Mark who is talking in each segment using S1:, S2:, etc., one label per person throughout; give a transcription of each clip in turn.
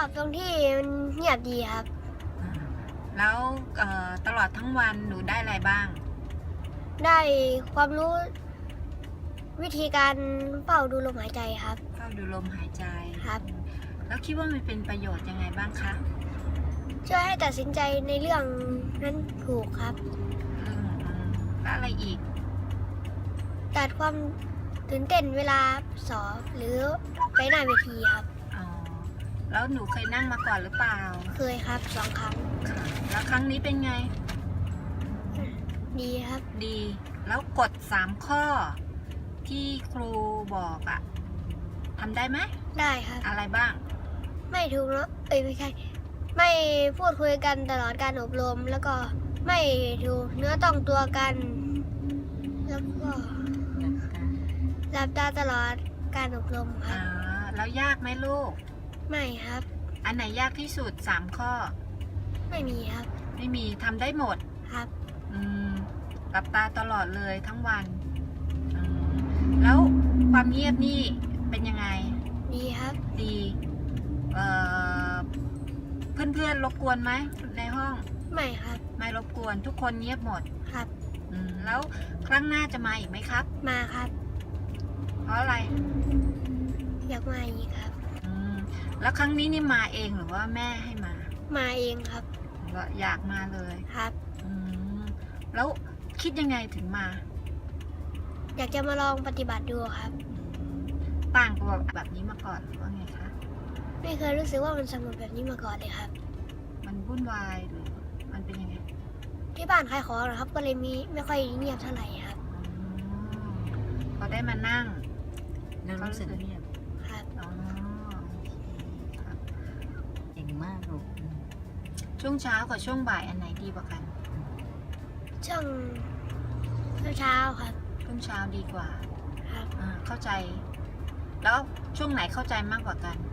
S1: อบตรงที่มันเงียบดีครับ
S2: อ่าแล้วตลอดทั้งวันหนูได้อะไรบ้าง
S1: ได้ความรู้วิธีการเฝ้าดูลมหายใจครับ
S2: เฝ้าดูลมหายใจ
S1: ครับ
S2: แล้วคิดว่ามันเป็นประโยชน์ยังไงบ้างคะ
S1: ช่วยให้ตัดสินใจในเรื่องนั้นถูกครับ
S2: แล้วอะไรอีก
S1: ตัดความตื่นเต้นเวลาสอบหรือไปหน้าเวทีครับ
S2: อ๋อ แล้วหนูเคยนั่งมาก่อนหรือเปล่า
S1: เคยครับ2 ครั้ง
S2: ค่ะ แล้วครั้งนี้เป็นไง
S1: ดีครับ
S2: ดี แล้วกฎ3 ข้อ ที่ครูบอกอะทำได้ไหม
S1: ได้ครับ
S2: อะไรบ้าง
S1: ไม่ถูกเนาะไม่ใช่ ไม่พูดคุยกันตลอดการอบรม แล้วก็ไม่ถูกเนื้อต้องตัวกัน แล้วก็หลับตาตลอดการอบรมครั
S2: อ่า
S1: บ
S2: แล้วยากไหมลูก
S1: ไม่ครับ
S2: อันไหนยากที่สุด3 ข้อ
S1: ไม่มีครับ
S2: ไม่มีทำได้หมด
S1: ครับ
S2: หลับตาตลอดเลยทั้งวันอืมแล้วความเงียบนี่เป็นยังไง
S1: ดีครับ
S2: ดีเอ่อเพื่อนๆรบกวนไหมในห้อง
S1: ไม่ครับ
S2: ไม่รบกวนทุกคนเงียบหมด
S1: ครับ
S2: แล้วครั้งหน้าจะมาอีกไหมครับ
S1: มาครับ
S2: เพราะอะไร
S1: อยากมาอีกครับ
S2: แล้วครั้งนี้นี่มาเองหรือว่าแม่ให้มา
S1: มาเองครับ
S2: ก็อยากมาเลย
S1: ครับ
S2: แล้วคิดยังไงถึงมา
S1: อยากจะมาลองปฏิบัติดูครับ
S2: ต่างกับแบบนี้มาก่อนหรือว่าไงคะ
S1: ไม่เคยรู้สึกว่ามันสงบแบบนี้มาก่อนเลยครับ
S2: มันวุ่นวายหรือมันเป็นยังไง
S1: ที่บ้านขายของนะครับ ก็เลยไม่ค่อยเงียบเท่าไหร่ครับ
S2: พอได้มานั่ง
S3: แล้วรู้สึกเงียบ
S1: ครับ
S2: อ๋อโอเคครับ
S3: เก่งมากลูก
S2: ช่วงเช้ากับช่วงบ่ายอันไหนดีกว่ากัน
S1: ช่วงเช้าครับ
S2: ช่วงเช้าดีกว่า
S1: ครับ
S2: เข้าใจ แล้วช่วงไหนเข้าใจมากกว่ากัน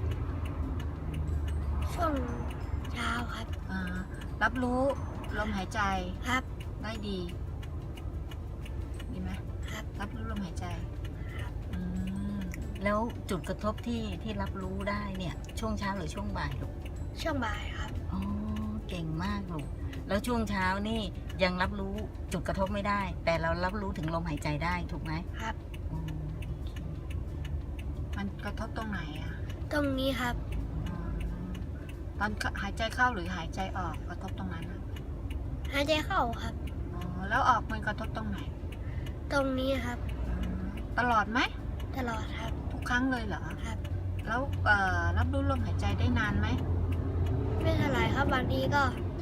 S1: ช่วงเช้าครับ
S2: รับรู้ลมหายใจ
S1: ครับ
S2: ได้ดี ดีไหม
S1: ครับ
S2: รับรู้ลมหายใจอืม
S3: แล้วจุดกระทบที่รับรู้ได้เนี่ยช่วงเช้าหรือช่วงบ่ายลูก
S1: ช่วงบ่ายครับ
S3: อ๋อเก่งมากลูกแล้วช่วงเช้านี่ยังรับรู้จุดกระทบไม่ได้ แต่เรารับรู้ถึงลมหายใจได้ถูกไหม
S1: ครับ
S3: อืมโอเค
S2: มันกระทบตรงไหนอะ
S1: ตรงนี้ครับ
S2: อืมตอนหายใจเข้าหรือหายใจออกกระทบตรงนั้นอะ
S1: หายใจเข้าครับ
S2: แล้วออกมันกระทบตรงไหน
S1: ตรงนี้ครับ
S2: ตลอดไหม
S1: ตลอดครับ
S2: ทุกครั้งเลยเหรอ
S1: ครับ
S2: แล้วรับรู้ลมหายใจได้นานไหม
S1: ไม่เท่าไหร่ครับ บางที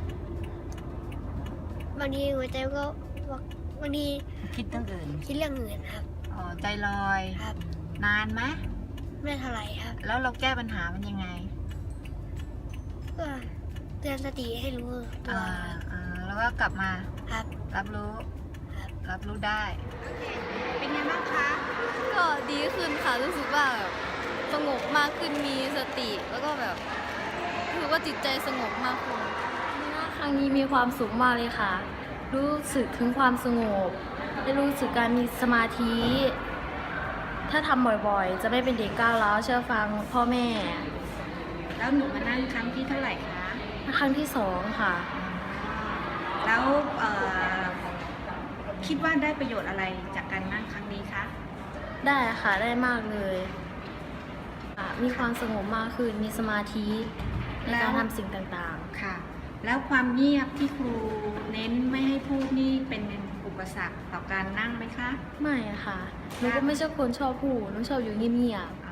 S1: หัวใจก็บางที
S3: คิดตั้งอื่น
S1: คิดเรื่องอื่นครับ
S2: ใจลอย
S1: ครับ
S2: นานไหม
S1: ไม่เท่าไหร่ครับ
S2: แล้วเราแก้ปัญหามันยังไง
S1: ก็เตือนสติให้รู้ตัว
S2: แล้วก็กลับมา
S1: ครับ
S2: รับรู้
S1: ครับ
S2: รับรู้ได้ เป็นไงบ้างคะ
S4: ก็ดีขึ้นค่ะรู้สึกว่าแบบสงบมากขึ้นมีสติ แล้วก็แบบรู้สึกว่าจิตใจสงบมากขึ้น
S5: ครั้งนี้มีความสุขมากเลยค่ะ รู้สึกถึงความสงบ ได้รู้สึกการมีสมาธิ ถ้าทำบ่อยๆ จะไม่เป็นเด็กก้าวร้าวเชื่อฟังพ่อแม่
S2: แล้วหนูมานั่งครั้งที่เท่าไหร่คะ
S5: ครั้งที่สองค่ะ
S2: แล้วคิดว่าได้ประโยชน์อะไรจากการนั่งครั้งนี้คะ
S5: ได้ค่ะได้มากเลยค่ะมีความสงบมากขึ้น มีสมาธิในการทำสิ่งต่าง
S2: ค่ะ แล้วความเงียบที่ครูเน้นไม่ให้พูดนี่เป็นอุปสรรคต่อการนั่งไหมคะ
S5: ๆ ไม่ค่ะหนูก็ไม่ใช่คนชอบพูดหนูชอบอยู่เงียบๆ